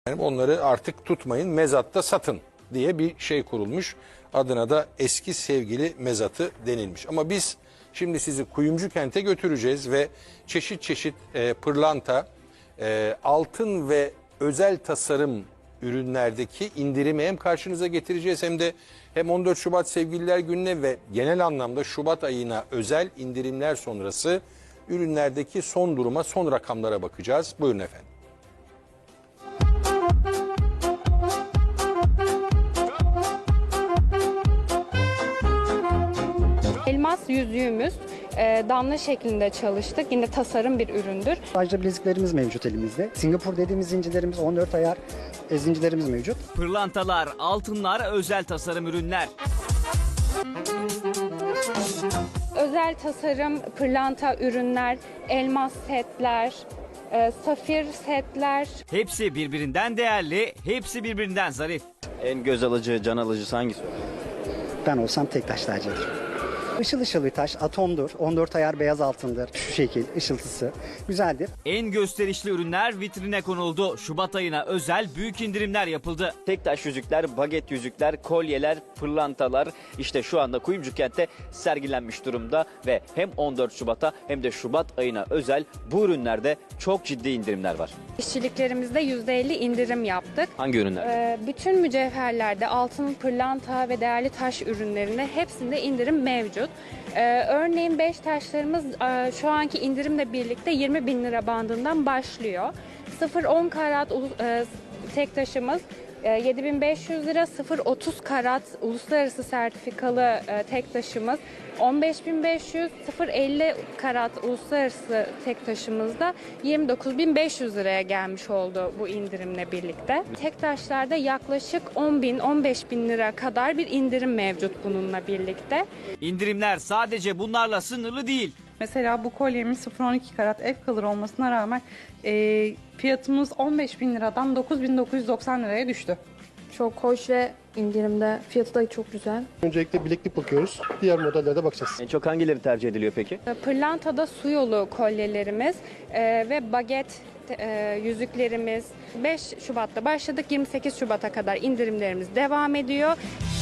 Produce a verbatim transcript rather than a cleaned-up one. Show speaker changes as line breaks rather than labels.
Yani onları artık tutmayın, mezatta satın diye bir şey kurulmuş. Adına da eski sevgili mezatı denilmiş. Ama biz şimdi sizi Kuyumcu Kent'e götüreceğiz ve çeşit çeşit e, pırlanta, e, altın ve özel tasarım ürünlerdeki indirimi hem karşınıza getireceğiz hem de hem on dört Şubat Sevgililer Günü'ne ve genel anlamda Şubat ayına özel indirimler sonrası ürünlerdeki son duruma, son rakamlara bakacağız. Buyurun efendim.
Elmas yüzüğümüz e, damla şeklinde çalıştık. Yine tasarım bir üründür.
Ayrıca bileziklerimiz mevcut elimizde. Singapur dediğimiz zincirlerimiz on dört ayar e, zincirlerimiz mevcut.
Pırlantalar, altınlar, özel tasarım ürünler.
Özel tasarım, pırlanta ürünler, elmas setler, e, safir setler.
Hepsi birbirinden değerli, hepsi birbirinden zarif.
En göz alıcı, can alıcısı hangisi?
Ben olsam tek taş tercih ederim. Işıl ışıl bir taş, atomdur. on dört ayar beyaz altındır. Şu şekil, ışıltısı. Güzeldir.
En gösterişli ürünler vitrine konuldu. Şubat ayına özel büyük indirimler yapıldı.
Tek taş yüzükler, baget yüzükler, kolyeler, pırlantalar işte şu anda Kuyumcu Kent'te sergilenmiş durumda ve hem on dört Şubat'a hem de Şubat ayına özel bu ürünlerde çok ciddi indirimler var.
İşçiliklerimizde yüzde elli indirim yaptık.
Hangi ürünler?
E, bütün mücevherlerde altın, pırlanta ve değerli taş ürünlerinde hepsinde indirim mevcut. E, örneğin beş taşlarımız e, şu anki indirimle birlikte yirmi bin lira bandından başlıyor. sıfır on karat e, tek taşımız yedi bin beş yüz lira, sıfır otuz karat uluslararası sertifikalı e, tek taşımız on beş bin beş yüz, sıfır elli karat uluslararası tek taşımızda yirmi dokuz bin beş yüz liraya gelmiş oldu bu indirimle birlikte. Tek taşlarda yaklaşık on bin on beş bin lira kadar bir indirim mevcut bununla birlikte.
İndirimler sadece bunlarla sınırlı değil.
Mesela bu kolyemiz sıfır on iki karat ev kalır olmasına rağmen e, fiyatımız on beş bin liradan dokuz bin dokuz yüz doksan liraya düştü.
Çok hoş ve indirimde. Fiyatı da çok güzel.
Öncelikle bileklik bakıyoruz. Diğer modellerde bakacağız.
En çok hangileri tercih ediliyor peki?
Pırlantada su yolu kolyelerimiz e, ve baget e, yüzüklerimiz beş Şubat'ta başladık. yirmi sekiz Şubat'a kadar indirimlerimiz devam ediyor.